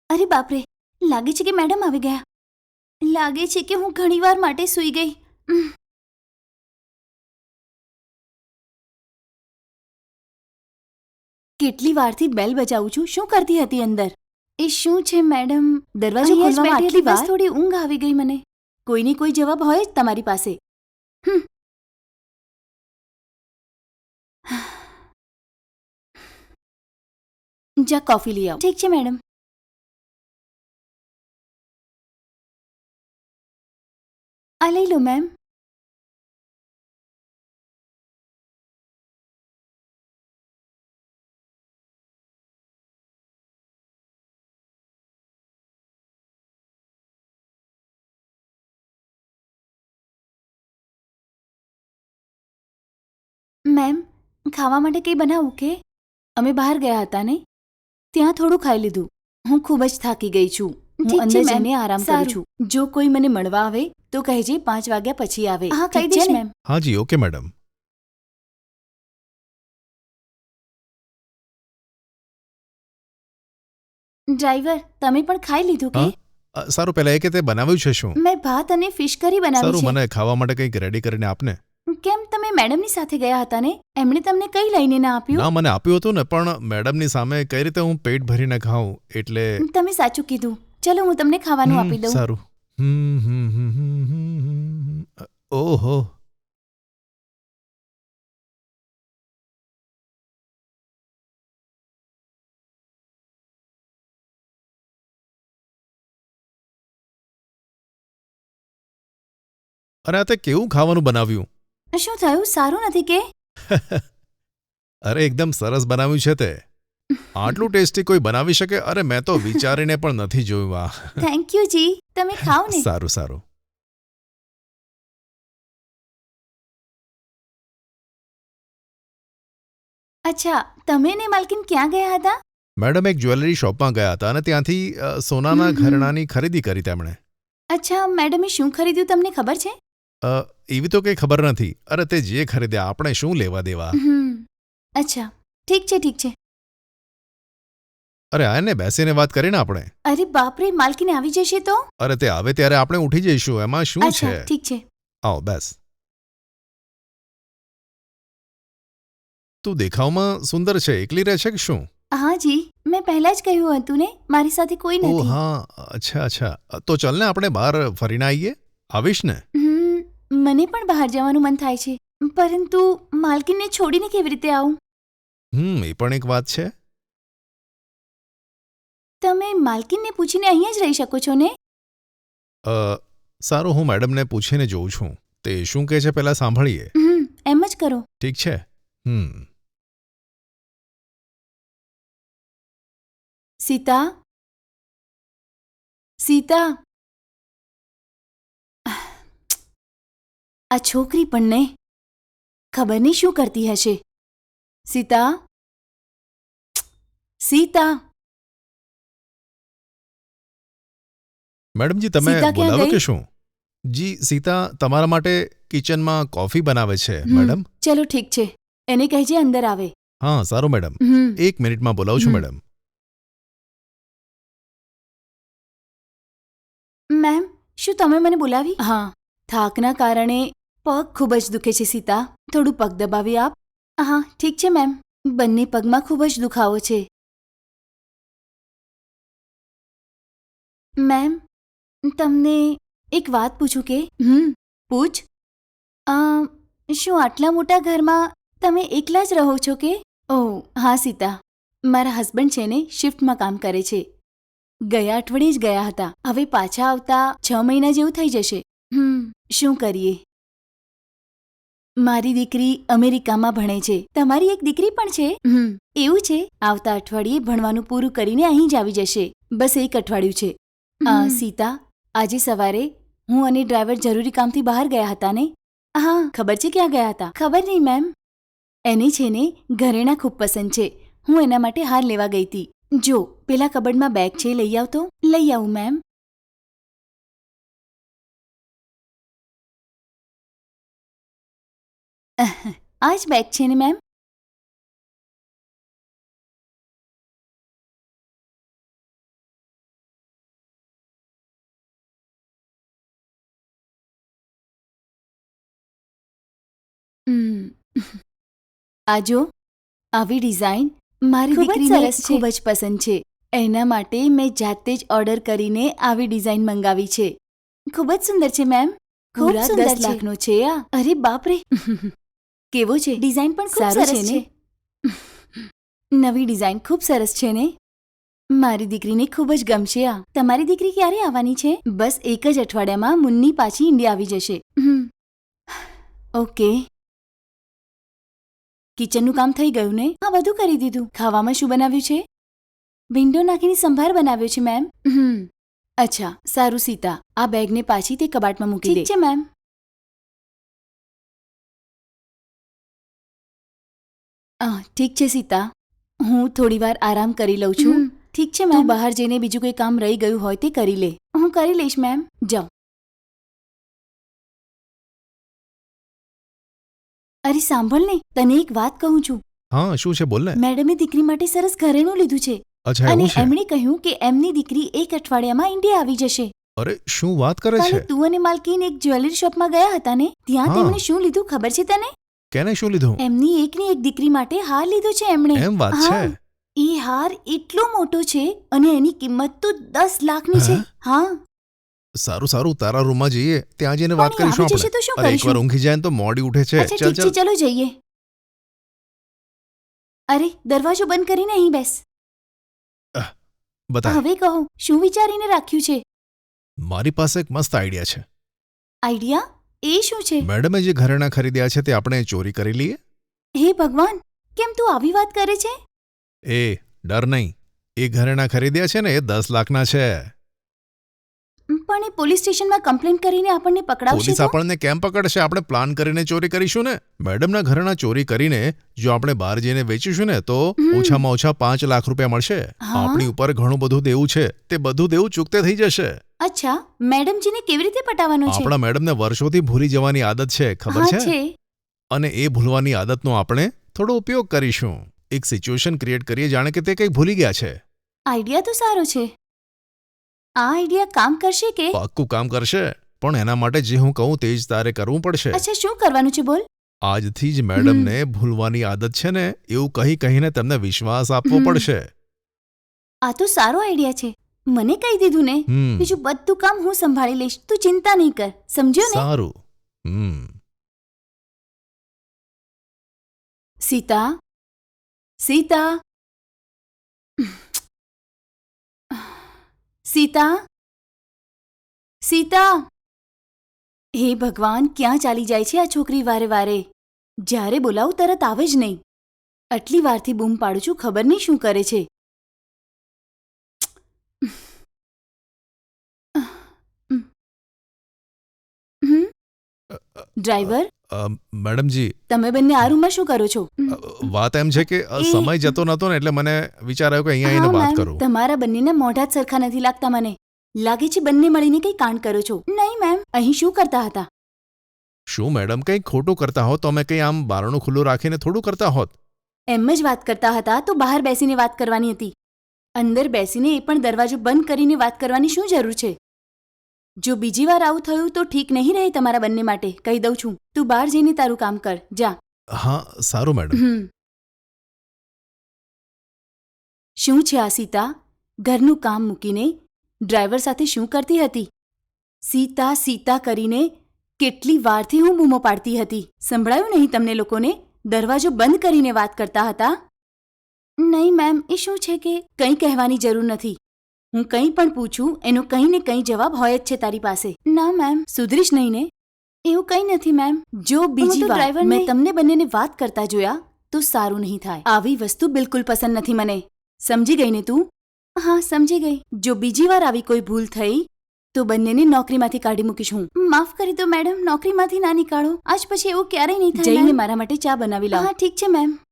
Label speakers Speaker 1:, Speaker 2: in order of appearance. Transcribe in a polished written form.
Speaker 1: અરે બાપરે, લાગે છે કે મેડમ આવી ગયા. લાગે છે કે હું ઘણીવાર માટે સૂઈ ગઈ. કેટલી વારથી બેલ બજાવું છું. શું કરતી હતી અંદર? એ શું છે મેડમ? દરવાજો ખોલવામાં આટલી વાર? થોડી ઊંઘ આવી ગઈ મને. કોઈની કોઈ જવાબ હોય જ તમારી પાસે. જા કોફી લઈ આવ. ઠીક છે મેડમ. આ લઈ લો મેમ. મેમ, ખાવા માટે કંઈ બનાવું કે? અમે બહાર ગયા હતા ને, ત્યાં થોડું ખાઈ લીધું. હું ખૂબ જ થાકી ગઈ છું. હું અંદર જઈને આરામ કરું છું. જો કોઈ મને મળવા આવે તો કહેજે 5 વાગ્યા પછી આવે. હા, કહી દઈશ મેમ.
Speaker 2: હા જી, ઓકે મેડમ.
Speaker 1: ડ્રાઈવર, તમે પણ ખાઈ લીધું કે?
Speaker 2: સારું, પહેલા એ કે તે બનાવ્યું છે શું?
Speaker 1: મેં ભાત અને ફિશ કરી બનાવી
Speaker 2: સારું,
Speaker 1: છે.
Speaker 2: મને ખાવા માટે કંઈક રેડી કરીને આપને.
Speaker 1: કેમ, તમે મેડમની સાથે ગયા હતા ને? એમણે તમને કઈ લઈને ના આપ્યું?
Speaker 2: ના, મને આપ્યું હતું ને, પણ મેડમની સામે કઈ રીતે હું પેટ ભરીને ખાઉં, એટલે.
Speaker 1: તમે સાચું કીધું. ચલો, હું તમને ખાવાનું આપી દઉં.
Speaker 2: સારું. ઓહો. અરે, આ તે કેવું ખાવાનું બનાવ્યું?
Speaker 1: શું થયું? સારું નથી કે?
Speaker 2: અરે, એકદમ સરસ બનાવ્યું છે તે. આટલું ટેસ્ટી કોઈ બનાવી શકે? અરે, મેં તો વિચારીને પણ નથી જોયું. આ
Speaker 1: થેન્ક યુ જી. તમે ખાઓ ને.
Speaker 2: સારું સારું.
Speaker 1: અચ્છા, તમે ને માલકીન ક્યાં ગયા હતા?
Speaker 2: મેડમ એક જ્વેલરી શોપમાં ગયા હતા અને ત્યાંથી સોનાના ઘરેણાંની ખરીદી કરી તેમણે.
Speaker 1: અચ્છા, મેડમે શું ખરીદ્યું તમને ખબર છે?
Speaker 2: એવી તો કંઈ ખબર નથી. અરે, તે જે ખરીદ્યા આપણે શું લેવા દેવા.
Speaker 1: અચ્છા, ઠીક છે ઠીક છે.
Speaker 2: અરે, આને બેસીને વાત કરીને આપણે.
Speaker 1: અરે બાપરે, માલકીન આવી જશે તો?
Speaker 2: અરે, તે આવે ત્યારે આપણે ઉઠી જઈશું, એમાં શું છે?
Speaker 1: ઠીક છે.
Speaker 2: આવો, બેસ. તું દેખાવમાં સુંદર છે. એકલી રહે છે કે શું?
Speaker 1: હા જી, મેં પહેલા જ કહ્યું હતું ને, મારી સાથે કોઈ
Speaker 2: ઓહ
Speaker 1: નથી.
Speaker 2: હા, અચ્છા અચ્છા. તો ચાલ ને આપણે બહાર ફરીને આવીએ. આવીશ ને?
Speaker 1: મને પણ બહાર જવાનું મન થાય છે, પરંતુ માલકીનને છોડીને કેવી રીતે આવું?
Speaker 2: એ પણ એક વાત છે.
Speaker 1: તમે માલકીનને પૂછીને અહીંયા જ રહી શકો છો ને?
Speaker 2: સારું, હું મેડમને પૂછીને જોઉં છું. તે શું કહે છે પહેલાં સાંભળીએ.
Speaker 1: એમ જ કરો.
Speaker 2: ઠીક છે.
Speaker 1: સીતા, સીતા. આ છોકરી પણ ને ખબર નહીં શું કરતી હશે. સીતા, સીતા.
Speaker 2: મેડમજી, તમે બોલાવો કે શું? જી, સીતા તમારા માટે કિચનમાં કોફી બનાવે છે મેડમ.
Speaker 1: ચલો ઠીક છે, એને કહેજે અંદર આવે.
Speaker 2: હા સારું મેડમ. 1 મિનિટમાં બોલાવું છું મેડમ.
Speaker 1: મેમ, શું તમે મને બોલાવી? હા, થાકના કારણે પગ ખૂબ જ દુખે છે સીતા. થોડું પગ દબાવી આપ. હા ઠીક છે મેમ. બંને પગમાં ખૂબ જ દુખાવો છે. મેમ, તમને એક વાત પૂછું કે? પૂછ. શું આટલા મોટા ઘરમાં તમે એકલા જ રહો છો કે? ઓહ હા સીતા, મારા હસબન્ડ છે ને શિફ્ટમાં કામ કરે છે. ગયા અઠવાડિયે જ ગયા હતા. હવે પાછા આવતા 6 મહિના જેવું થઈ જશે. શું કરીએ? મારી દીકરી અમેરિકામાં ભણે છે. તમારી એક દીકરી પણ છે? એવું છે. આવતા અઠવાડિયે ભણવાનું પૂરું કરીને અહીં જ આવી જશે. બસ એક અઠવાડિયું છે. સીતા, આજે સવારે હું અને ડ્રાઈવર જરૂરી કામથી બહાર ગયા હતા ને? હા, ખબર છે ક્યાં ગયા હતા? ખબર નહીં મેમ. એને છે ને ઘરેણાં ખૂબ પસંદ છે. હું એના માટે હાર લેવા ગઈ હતી. જો પેલા કબડમાં બેગ છે, લઈ આવ તો. લઈ આવું મેમ. આ જ બેગ છે ને મેમ? આ જો આવી ડિઝાઇન મારી
Speaker 3: ખૂબ જ
Speaker 1: દીકરીને
Speaker 3: સરસ છે.
Speaker 1: ખૂબ જ પસંદ છે. એના માટે મેં જાતે જ ઓર્ડર કરીને આવી ડિઝાઇન મંગાવી છે. ખૂબ જ સુંદર છે મેમ.
Speaker 3: ખૂબ
Speaker 1: પૂરા
Speaker 3: સુંદર
Speaker 1: 10
Speaker 3: છે.
Speaker 1: લાખનો છે આ. અરે બાપ રે. કેવો છે?
Speaker 3: ડિઝાઇન પણ ખૂબ
Speaker 1: સારું
Speaker 3: સરસ
Speaker 1: છે ને? નવી ડિઝાઇન ખૂબ સરસ છે ને? મારી દીકરીને ખૂબ જ ગમશે આ.
Speaker 3: તમારી દીકરી ક્યારે આવવાની છે?
Speaker 1: બસ એક જ અઠવાડિયામાં મુન્ની પાછી ઇન્ડિયા આવી જશે. ઓકે. કિચનનું કામ થઈ ગયું ને?
Speaker 3: હા, બધું કરી દીધું.
Speaker 1: ખાવામાં શું બનાવ્યું છે?
Speaker 3: વિન્ડો નાખીને સંભાર બનાવ્યો છે મેમ.
Speaker 1: અચ્છા સારું સીતા, આ બેગને પાછી તે કબાટમાં મૂકી દે.
Speaker 3: ઠીક છે મેમ.
Speaker 1: ઠીક છે સીતા, હું થોડીવાર આરામ કરી લઉં છું.
Speaker 3: ઠીક છે
Speaker 1: તું
Speaker 3: મેમ.
Speaker 1: બહાર જઈને બીજું કોઈ કામ રહી ગયું હોય તે કરી લે.
Speaker 3: હું કરી લઈશ મેમ.
Speaker 1: જાઓ.
Speaker 3: અરે સાંભળ ને, તને એક વાત કહું છું.
Speaker 2: હા, શું છે બોલ ને.
Speaker 3: મેડમે દીકરી માટે સરસ ઘરેણું લીધું છે
Speaker 2: અચ્છા,
Speaker 3: અને
Speaker 2: એવું છે?
Speaker 3: એમણે કહ્યું કે એમની દીકરી એક અઠવાડિયામાં ઇન્ડિયા આવી જશે.
Speaker 2: અરે શું વાત કરે
Speaker 3: કાલે
Speaker 2: છે?
Speaker 3: તું અને માલકીન એક જ્વેલરી શોપમાં ગયા હતા ને, ત્યાં
Speaker 2: હા.
Speaker 3: તેમણે શું લીધું ખબર છે તને?
Speaker 2: કેને શું લીધું?
Speaker 3: એમની એકની એક દીકરી માટે હાર લીધો છે એમણે.
Speaker 2: એમ વાત
Speaker 3: હા.
Speaker 2: છે?
Speaker 3: એ હાર એટલો મોટો છે અને એની કિંમત તો 10 લાખની છે.
Speaker 2: હે?
Speaker 3: હા.
Speaker 2: સારું સારું, તારા રૂમમાં જઈએ, ત્યાં જઈને વાત
Speaker 3: પણ એ
Speaker 2: કરીશું
Speaker 3: આવી જશે
Speaker 2: આપણે.
Speaker 3: તો શું
Speaker 2: અરે એકવાર
Speaker 3: કરીશું?
Speaker 2: ઊંઘી જાય ને તો મોડી ઉઠે છે.
Speaker 3: અચ્છા
Speaker 2: ચાલ
Speaker 3: ઠીક છે,
Speaker 2: ચાલ.
Speaker 3: ચલો જઈએ. અરે દરવાજો બંધ કરીને અહીં બેસ.
Speaker 2: બતા.
Speaker 3: હવે કહો, શું વિચારીને રાખ્યું છે?
Speaker 2: મારી પાસે એક મસ્ત આઈડિયા છે.
Speaker 3: આઈડિયા? એ શું છે?
Speaker 2: મેડમે જે ઘરેણાં ખરીદ્યા છે તે આપણે ચોરી કરી લઈએ.
Speaker 3: હે ભગવાન, કેમ તું આવી વાત કરે છે?
Speaker 2: એ ડર નહીં, એ ઘરેણાં ખરીદ્યા છે ને એ 10 લાખના છે.
Speaker 3: પણ એ પોલીસ સ્ટેશનમાં કમ્પ્લેન કરીને આપણને પકડાવશે
Speaker 2: પોલીસ
Speaker 3: તો?
Speaker 2: આપણને કેમ પકડશે? આપણે પ્લાન કરીને ચોરી કરીશું ને. મેડમના ઘરેણાં ચોરી કરીને જો આપણે બહાર જઈને વેચીશું ને તો ઓછામાં ઓછા 5 લાખ રૂપિયા મળશે.
Speaker 3: હા?
Speaker 2: આપણી ઉપર ઘણું બધું દેવું છે, તે બધું દેવું ચૂકતે થઈ જશે.
Speaker 3: અચ્છા, મેડમજીને કેવી રીતે પટાવવાનો છે?
Speaker 2: આપણા મેડમને વર્ષોથી ભૂલી જવાની આદત છે, ખબર
Speaker 3: હા
Speaker 2: છે?
Speaker 3: છે.
Speaker 2: અને એ ભૂલવાની આદતનો આપણે થોડો ઉપયોગ કરીશું. એક સિચ્યુએશન ક્રિએટ કરીએ જાણે કે તે કંઈક ભૂલી ગયા છે.
Speaker 3: આઈડિયા તો સારો છે. આ આઈડિયા કામ કરશે કે?
Speaker 2: પાક્કું કામ કરશે, પણ એના માટે જે હું કહું તે જ તારે કરવું પડશે.
Speaker 3: અચ્છા, શું કરવાનું છે બોલ?
Speaker 2: આજથી જ મેડમને ભૂલવાની આદત છે ને એવું કહીને તેમને વિશ્વાસ આપવો પડશે.
Speaker 3: આ તો સારો આઈડિયા છે. મને કહી દીધું ને. બીજું બધું કામ હું સંભાળી લઈશ, તું ચિંતા નહીં કર. સમજ્યો ને?
Speaker 2: સારું.
Speaker 1: સીતા, સીતા, સીતા, સીતા. હે ભગવાન, ક્યાં ચાલી જાય છે આ છોકરી વારે વારે? જ્યારે બોલાવું તરત આવે જ નહીં. આટલી વારથી બૂમ પાડું છું, ખબર નહીં શું કરે છે. ડ્રાઈવર,
Speaker 2: મેડમજી,
Speaker 1: તમે બંને આ રૂમમાં શું કરો છો?
Speaker 2: વાત એમ છે કે સમય જતો નતો ને એટલે મને વિચાર આવ્યો કે અહીંયા આવીને
Speaker 1: હા,
Speaker 2: વાત
Speaker 1: મેમ,
Speaker 2: કરું.
Speaker 1: તમારા બંનેના મોઢા જ સરખા નથી લાગતા મને. લાગે છે બંને મળીને કંઈ કાંડ કરો છો.
Speaker 3: નહીં મેમ.
Speaker 1: અહીં શું કરતા હતા?
Speaker 2: શું મેડમ, કંઈ ખોટું કરતા હોત તો અમે કંઈ આમ બારણું ખુલ્લું રાખીને થોડું કરતા હોત.
Speaker 1: એમ જ વાત કરતા હતા તો બહાર બેસીને વાત કરવાની હતી. અંદર બેસીને એ પણ દરવાજો બંધ કરીને વાત કરવાની શું જરૂર છે? જો બીજી વાર આવું થયું તો ઠીક નહીં રહે તમારા બંને માટે, કહી દઉં છું. તું બહાર જઈને તારું કામ કર, જા.
Speaker 2: હા સારું મેડમ.
Speaker 1: શું છે આ સીતા? ઘરનું કામ મૂકીને ડ્રાઈવર સાથે શું કરતી હતી? સીતા સીતા કરીને કેટલી વારથી હું બૂમો પાડતી હતી. સંભળાયું નહીં તમને લોકોને? દરવાજો બંધ કરીને વાત કરતા હતા.
Speaker 3: નહીં મેમ, એ શું છે કે?
Speaker 1: કંઈ કહેવાની જરૂર નથી. હું કંઈ પણ પૂછું એનો કંઈ ને કંઈ જવાબ હોય જ છે તારી પાસે.
Speaker 3: ના મેમ,
Speaker 1: સુધરીશ નહીં ને?
Speaker 3: એવું કંઈ નથી મેમ.
Speaker 1: જો બીજી
Speaker 3: તો
Speaker 1: વાર
Speaker 3: ડ્રાઈવરને-
Speaker 1: મેં તમને બંનેને વાત કરતા જોયા તો સારું નહીં થાય. આવી વસ્તુ બિલકુલ પસંદ નથી મને. સમજી ગઈ ને તું?
Speaker 3: હા, સમજી ગઈ.
Speaker 1: જો બીજી વાર આવી કોઈ ભૂલ થઈ તો બંનેને નોકરીમાંથી કાઢી મૂકીશ હું.
Speaker 3: માફ કરી દો મેડમ, નોકરીમાંથી ના નીકાળો. આજ પછી એવું ક્યારેય નહીં થાય
Speaker 1: જઈને
Speaker 3: મેમ.
Speaker 1: મારા માટે ચા બનાવી લાવ.
Speaker 3: હા ઠીક છે મેમ.